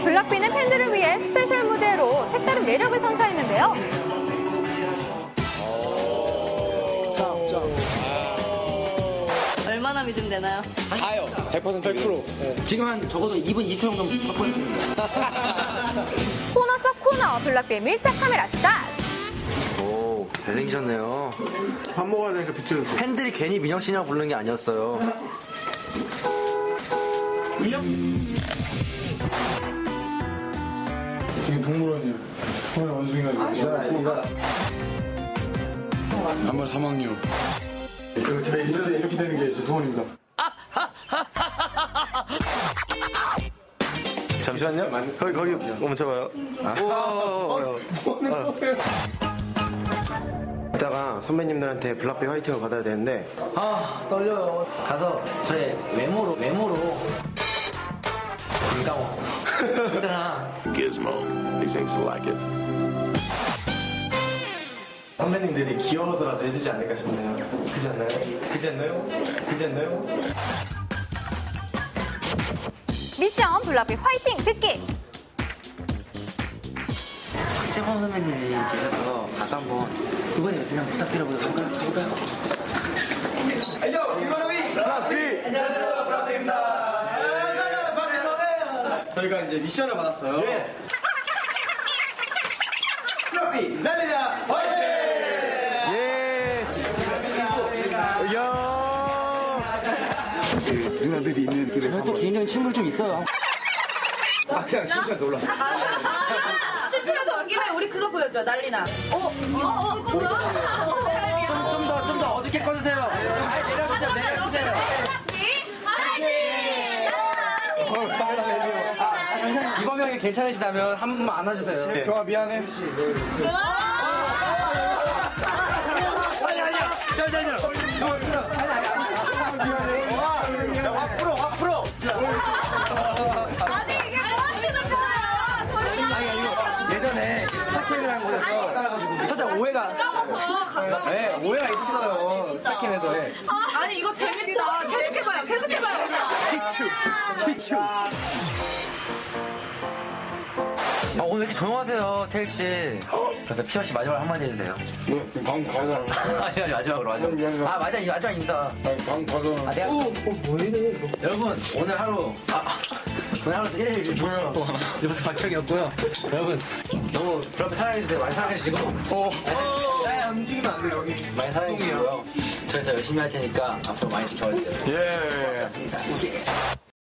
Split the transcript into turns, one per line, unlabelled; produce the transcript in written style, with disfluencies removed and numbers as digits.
블락비는 팬들을 위해 스페셜 무대로 색다른 매력을 선사했는데요.
얼마나 믿으면 되나요?
다요. 100%. 100%.
지금 한 적어도 2분 20초 정도 확보했습니다.
코너 속 코너 블락비의 밀착 카메라 스타트.
오, 잘생기셨네요.
밥 먹어야 되니까 비켜줬어.
팬들이 괜히 민혁 씨냐고 부르는 게 아니었어요.
지금 동물원이에요. 동물원 원숭이가 이거 한번 사망요. 그리고 제가 이렇게 되는 게 제 소원입니다.
잠시만요. 거기 멈춰봐요.
이따가 선배님들한테 블락비 화이팅을 받아야 되는데
아, 떨려요. 가서 저의 외모로 안 까먹었어. 있잖아.
Gizmo. He seems to like it.
선배님들이 귀여워서라도 해주지 않을까 싶네요. 그지 않나요? 그지 않나요? 그지 않나요?
미션 블락비 화이팅 듣기.
박재범 선배님이 계셔서 가서 한번 그분이 그냥 부탁드려보도록 할까요?
저희가 이제 미션을 받았어요. 블락비 날리자 화이팅! 예!
누나들이 있는 길에서
저도 개인적인 친구 좀 있어요.
그냥 심심해서 올랐어.
심심해서 온 김에 우리 그거 보여줘. 난리나. 그거 뭐야?
좀 더 어둡게 꺼주세요. 내려주세요. 이번 명이 괜찮으시다면 한 번만 안아주세요.
경아 미안해.
아니야.
화 풀어.
아니 이게 뭐 하시는 거예요? 저희
예전에 스타캠이라는 곳에서 살짝 오해가 있었어요. 스타캠에서.
아니 이거 재밌다. 계속해봐요.
히츠.
오늘 이렇게 조용하세요, 태일 씨. 그래서 피어 씨 마지막으로 한마디 해주세요.
방 가자.
아니, 마지막으로. 맞아, 이 마지막 인사.
방 가자.
내가. 여러분, 오늘 하루 1일 중요한 이번에 박형이었고요. 여러분, 너무 그렇게 사랑해주세요. 많이 사랑해주시고.
움직이면 안 돼, 여기.
많이 사랑해주시고요. 저희 더 열심히 할 테니까 앞으로 많이 지켜봐주세요.
예.
고맙습니다.